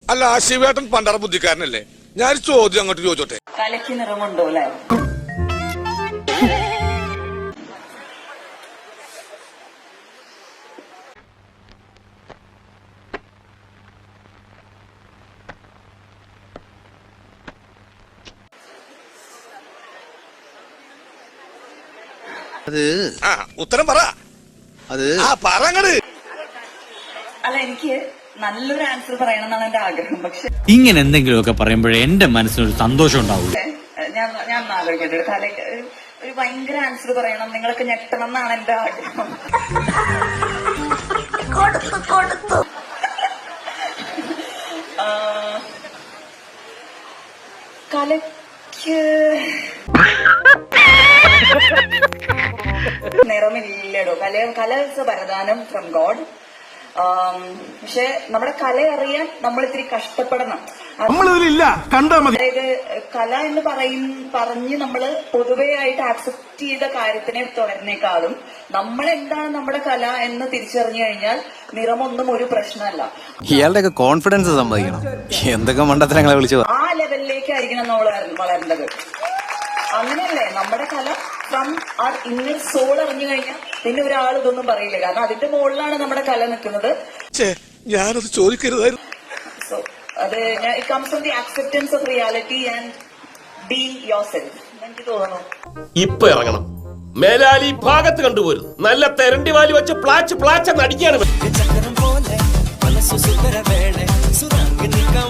അല്ല ശിവേട്ടൻ പണ്ടറ ബുദ്ധിക്കാരനല്ലേ? ഞാൻ ചോദ്യം അങ്ങോട്ട് ചോദിച്ചോട്ടെ. കലയ്ക്ക് നിറമുണ്ടോ അല്ലേ? അത് ഉത്തരം പറ. അത് പറങ്ങട്. അല്ല, എനിക്ക് നല്ലൊരു ആൻസർ പറയണമെന്നാണ് എന്റെ ആഗ്രഹം. പക്ഷെ ഇങ്ങനെ എന്തെങ്കിലുമൊക്കെ പറയുമ്പോഴേ എന്റെ മനസ്സിനൊരു സന്തോഷം ഉണ്ടാവുള്ളൂ. ഞാൻ ആലോചിക്കട്ടെ. ഒരു കലയ്ക്ക് ഒരു ഭയങ്കര ആൻസർ പറയണം, നിങ്ങളൊക്കെ ഞെട്ടണം എന്നാണ് എന്റെ ആഗ്രഹം. കലയ്ക്ക് നിറമില്ലടോ. കല ഇസ് എ വരദാനം ഫ്രം ഗോഡ്. പക്ഷെ നമ്മുടെ കല അറിയാൻ നമ്മൾ ഇത്തിരി കഷ്ടപ്പെടണം. അതായത് കല എന്ന് പറഞ്ഞ് നമ്മൾ പൊതുവെ ആയിട്ട് ആക്സെപ്റ്റ് ചെയ്ത കാര്യത്തിനെ തുടരുന്നേക്കാളും നമ്മൾ എന്താണ് നമ്മുടെ കല എന്ന് തിരിച്ചറിഞ്ഞു കഴിഞ്ഞാൽ നിറമൊന്നും ഒരു പ്രശ്നമല്ല. ഇയാളുടെ കോൺഫിഡൻസ് സമ്മതിക്കണം. എന്തൊക്കെ മണ്ടത്തരങ്ങളെ വിളിച്ചു ആ ലെവലിലേക്കായിരിക്കണം നമ്മൾ വളരേണ്ടത്. അങ്ങനെയല്ലേ നമ്മുടെ കല ഫ്രം ആർ ഇന്നർ സോൾ അറിഞ്ഞു കഴിഞ്ഞാൽ പിന്നെ ഒരാൾ ഇതൊന്നും പറയില്ല. കാരണം അതിന്റെ മുകളിലാണ് നമ്മുടെ കല നിൽക്കുന്നത്. ഞാനത് ചോദിക്കരുതായിരുന്നു. സോ അത് it comes from the acceptance of reality and be yourself. എനിക്ക് തോന്നുന്നു ഇപ്പൊ ഇറങ്ങണം. മേലാലി ഭാഗത്ത് കണ്ടുപോരും. നല്ല തെരണ്ടി വാലി വെച്ച് പ്ലാച്ച് പ്ലാച്ച് അടിക്കാണ്.